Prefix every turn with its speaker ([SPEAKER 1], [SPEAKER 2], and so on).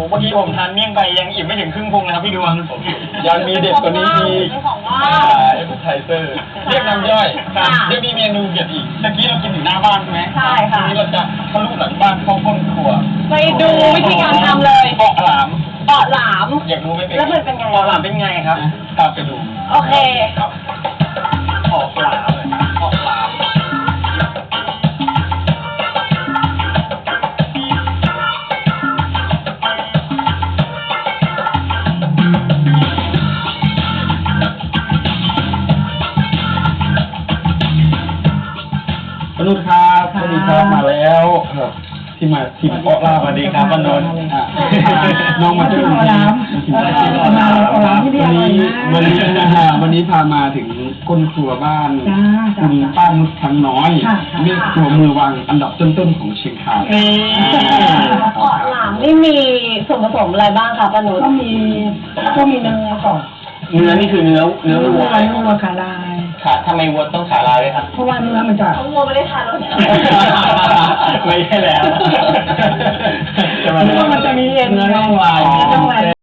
[SPEAKER 1] เมื่อกี้ผมทานเมี่ยงไปยังอิ่มไม่ถึงครึ่งพุงเลยครับพี่ดวง
[SPEAKER 2] ยังมีเด็ดกว่านี้อีก
[SPEAKER 3] เป็นของว่าง
[SPEAKER 2] เอฟไทเซอร์ เรียกน้ำย่อย
[SPEAKER 3] ค่ะ
[SPEAKER 2] ยังมีเมนูเด็ดอีก
[SPEAKER 1] ตะกี้เรากินอยู่หน้าบ้านใช่ไหม
[SPEAKER 3] ใช่ค่ะ
[SPEAKER 2] ทีนี้เราจะทะลุหลังบ้านเข้าก้นครัว
[SPEAKER 3] ไปดูวิธีการทำเลย
[SPEAKER 1] เปาะหลาม
[SPEAKER 3] เปาะหลาม
[SPEAKER 2] อยากรู้ไหมเป็น
[SPEAKER 3] แล้วมันเป็นไง
[SPEAKER 1] เปาะหลามเป็นไงครับ
[SPEAKER 2] ตามไปดู
[SPEAKER 3] โอเค
[SPEAKER 2] ครับ
[SPEAKER 1] เปาะหลามเลยเปาะหลาม
[SPEAKER 2] ปนุษครับสวัสดีครับมาแล้วที่มาทีมเปาะลา
[SPEAKER 1] สวัสดีครับปนุษ
[SPEAKER 2] น้องมาช่วยทีมวันนี้พามาถึงก้นครัวบ้านคุณป้านุชทั้งน้อยเรียกครัวมือวางอันดับต้นๆของเชียงคาน
[SPEAKER 1] นี่
[SPEAKER 3] เปาะหลามนี่มีส่วนผสมอะไรบ้างคะป้านุช
[SPEAKER 4] ก็มีเนื้อก่อน
[SPEAKER 1] เนื้อนี่คือเนื้อวัว
[SPEAKER 4] วัวขาลาย
[SPEAKER 1] ขาทำไมวัวต้องขาลายด้วยครับ
[SPEAKER 4] เพราะว่าเนื้อมันจะ
[SPEAKER 3] ทั้งวัวไม่ได้ทานแล้วเนี่ย
[SPEAKER 1] ไม่ใช่แล้ว
[SPEAKER 4] เนื้อมันจะมีเอ็น
[SPEAKER 1] เนื้อน่องลาย
[SPEAKER 4] ต้องลาย